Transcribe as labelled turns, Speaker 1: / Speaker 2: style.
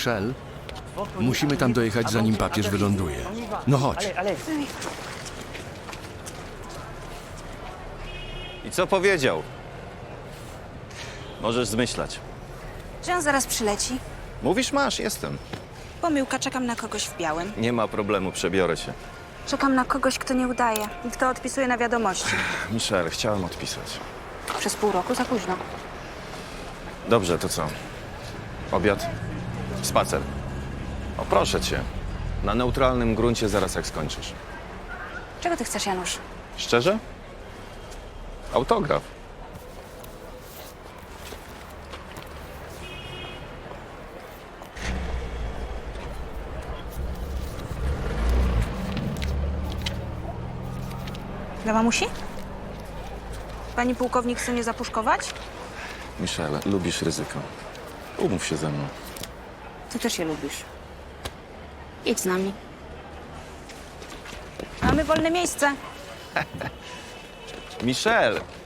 Speaker 1: Michelle, musimy tam dojechać, zanim papież wyląduje. No chodź.
Speaker 2: I co powiedział? Możesz zmyślać.
Speaker 3: Że on zaraz przyleci.
Speaker 2: Mówisz, masz, jestem.
Speaker 3: Pomyłka, czekam na kogoś w białym.
Speaker 2: Nie ma problemu, przebiorę się.
Speaker 3: Czekam na kogoś, kto nie udaje i kto odpisuje na wiadomości.
Speaker 2: Michelle, chciałem odpisać.
Speaker 3: Przez pół roku za późno.
Speaker 2: Dobrze, to co? Obiad? Spacer? O, proszę cię. Na neutralnym gruncie zaraz jak skończysz.
Speaker 3: Czego ty chcesz, Janusz?
Speaker 2: Szczerze? Autograf.
Speaker 3: Dla mamusi? Pani pułkownik chce mnie zapuszkować?
Speaker 2: Michelle, lubisz ryzyko. Umów się ze mną.
Speaker 3: Ty też je lubisz. Idź z nami. Mamy wolne miejsce.
Speaker 2: Michelle,